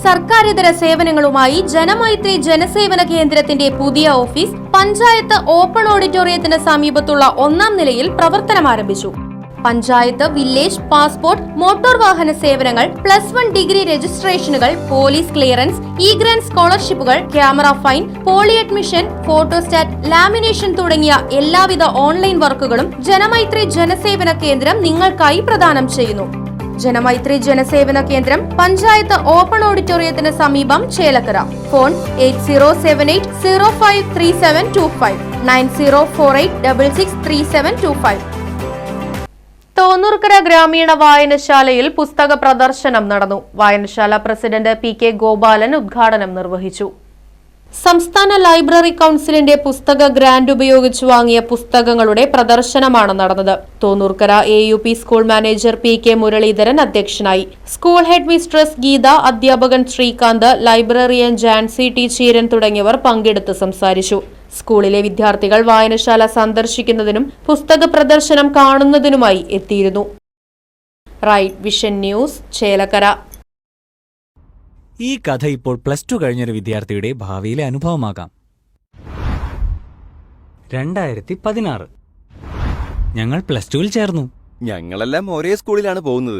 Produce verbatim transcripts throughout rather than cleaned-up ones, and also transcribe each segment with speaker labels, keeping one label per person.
Speaker 1: സർക്കാരിതര സേവനങ്ങളുമായി ജനമൈത്രി ജനസേവന കേന്ദ്രത്തിന്റെ പുതിയ office panchayat open ഓഡിറ്റോറിയത്തിന് സമീപത്തുള്ള ഒന്നാം നിലയിൽ പ്രവർത്തനം ആരംഭിച്ചു. പഞ്ചായത്ത്, വില്ലേജ്, പാസ്പോർട്ട്, മോട്ടോർ വാഹന സേവനങ്ങൾ, പ്ലസ് വൺ ഡിഗ്രി രജിസ്ട്രേഷനുകൾ, പോലീസ് ക്ലിയറൻസ്, ഇ ഗ്രാന്റ് സ്കോളർഷിപ്പുകൾ, camera fine, poly admission, photostat, lamination തുടങ്ങിയ എല്ലാവിധ ഓൺലൈൻ വർക്കുകളും ജനമൈത്രി ജനസേവന കേന്ദ്രം നിങ്ങൾക്കായി പ്രദാനം ചെയ്യുന്നു. ജനമൈത്രി ജനസേവന കേന്ദ്രം പഞ്ചായത്ത് ഓപ്പൺ ഓഡിറ്റോറിയത്തിന് സമീപം, Chelakkara. Phone eight zero seven eight zero five three seven two five nine zero four eight double six three seven two five. Thonnurkara ഗ്രാമീണ വായനശാലയിൽ പുസ്തക പ്രദർശനം നടന്നു. വായനശാല പ്രസിഡന്റ് പി കെ ഗോപാലൻ ഉദ്ഘാടനം നിർവഹിച്ചു. സംസ്ഥാന ലൈബ്രറി കൌൺസിലിന്റെ പുസ്തക ഗ്രാന്റ് ഉപയോഗിച്ച് വാങ്ങിയ പുസ്തകങ്ങളുടെ പ്രദർശനമാണ് നടന്നത്. Thonnurkara A U P school manager P K Muraleedharan അധ്യക്ഷനായി. സ്കൂൾ ഹെഡ് മിസ്ട്രസ് ഗീത, അധ്യാപകൻ ശ്രീകാന്ത്, ലൈബ്രറിയൻ ജാൻസി ടി ചീരൻ തുടങ്ങിയവർ പങ്കെടുത്ത് സംസാരിച്ചു. സ്കൂളിലെ വിദ്യാർത്ഥികൾ വായനശാല സന്ദർശിക്കുന്നതിനും പുസ്തക പ്രദർശനം കാണുന്നതിനുമായി എത്തിയിരുന്നു. Right vision news, Chelakkara.
Speaker 2: ഈ കഥ ഇപ്പോൾ പ്ലസ് ടു കഴിഞ്ഞൊരു വിദ്യാർത്ഥിയുടെ ഭാവിയിലെ അനുഭവമാകാം. രണ്ടായിരത്തി പതിനാറ് ഞങ്ങൾ പ്ലസ് ടുവിൽ ചേർന്നു.
Speaker 3: ഞങ്ങളെല്ലാം ഒരേ സ്കൂളിലാണ് പോകുന്നത്.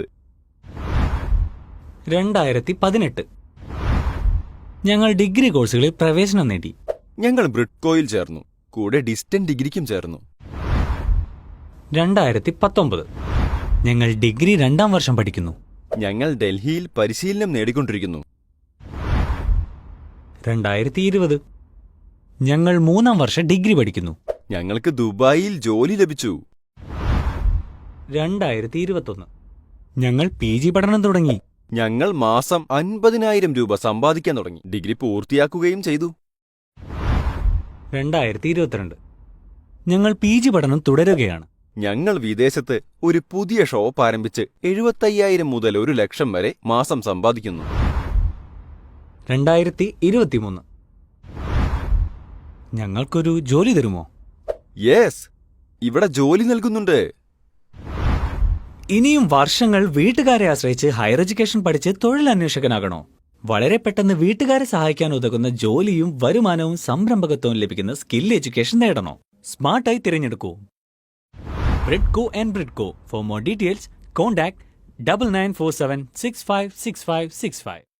Speaker 2: രണ്ടായിരത്തി പതിനെട്ട് ഞങ്ങൾ ഡിഗ്രി കോഴ്സുകളിൽ പ്രവേശനം നേടി.
Speaker 3: ഞങ്ങൾ ബ്രിഡ്കോയിൽ ചേർന്നു, കൂടെ ഡിസ്റ്റന്റ് ഡിഗ്രിക്കും ചേർന്നു.
Speaker 2: രണ്ടായിരത്തി പത്തൊമ്പത് ഞങ്ങൾ ഡിഗ്രി രണ്ടാം വർഷം പഠിക്കുന്നു.
Speaker 3: ഞങ്ങൾ ഡൽഹിയിൽ പരിശീലനം നേടിക്കൊണ്ടിരിക്കുന്നു.
Speaker 2: രണ്ടായിരത്തി ഇരുപത് ഞങ്ങൾ മൂന്നാം വർഷം ഡിഗ്രി പഠിക്കുന്നു.
Speaker 3: ഞങ്ങൾക്ക് ദുബായിൽ ജോലി ലഭിച്ചു.
Speaker 2: രണ്ടായിരത്തി ഇരുപത്തൊന്ന് ഞങ്ങൾ പി ജി പഠനം തുടങ്ങി.
Speaker 3: ഞങ്ങൾ മാസം അൻപതിനായിരം രൂപ സമ്പാദിക്കാൻ തുടങ്ങി. ഡിഗ്രി പൂർത്തിയാക്കുകയും ചെയ്തു.
Speaker 2: രണ്ടായിരത്തി ഇരുപത്തിരണ്ട് ഞങ്ങൾ പി ജി പഠനം തുടരുകയാണ്.
Speaker 3: ഞങ്ങൾ വിദേശത്ത് ഒരു പുതിയ ഷോപ്പ് ആരംഭിച്ച് എഴുപത്തയ്യായിരം മുതൽ ഒരു ലക്ഷം വരെ മാസം സമ്പാദിക്കുന്നു.
Speaker 2: രണ്ടായിരത്തി ഇരുപത്തിമൂന്ന് ഞങ്ങൾക്കൊരു ജോലി തരുമോ?
Speaker 3: യെസ്, ഇവിടെ ജോലി നൽകുന്നുണ്ട്.
Speaker 2: ഇനിയും വർഷങ്ങൾ വീട്ടുകാരെ ആശ്രയിച്ച് ഹയർ എഡ്യൂക്കേഷൻ പഠിച്ച് തൊഴിലന്വേഷകനാകണോ? വളരെ പെട്ടെന്ന് വീട്ടുകാരെ സഹായിക്കാൻ ഉതകുന്ന ജോലിയും വരുമാനവും സംരംഭകത്വവും ലഭിക്കുന്ന സ്കിൽ എഡ്യൂക്കേഷൻ നേടണോ? സ്മാർട്ടായി തിരഞ്ഞെടുക്കൂ Bridco and Bridco. For more details contact double nine four seven six five six five six five.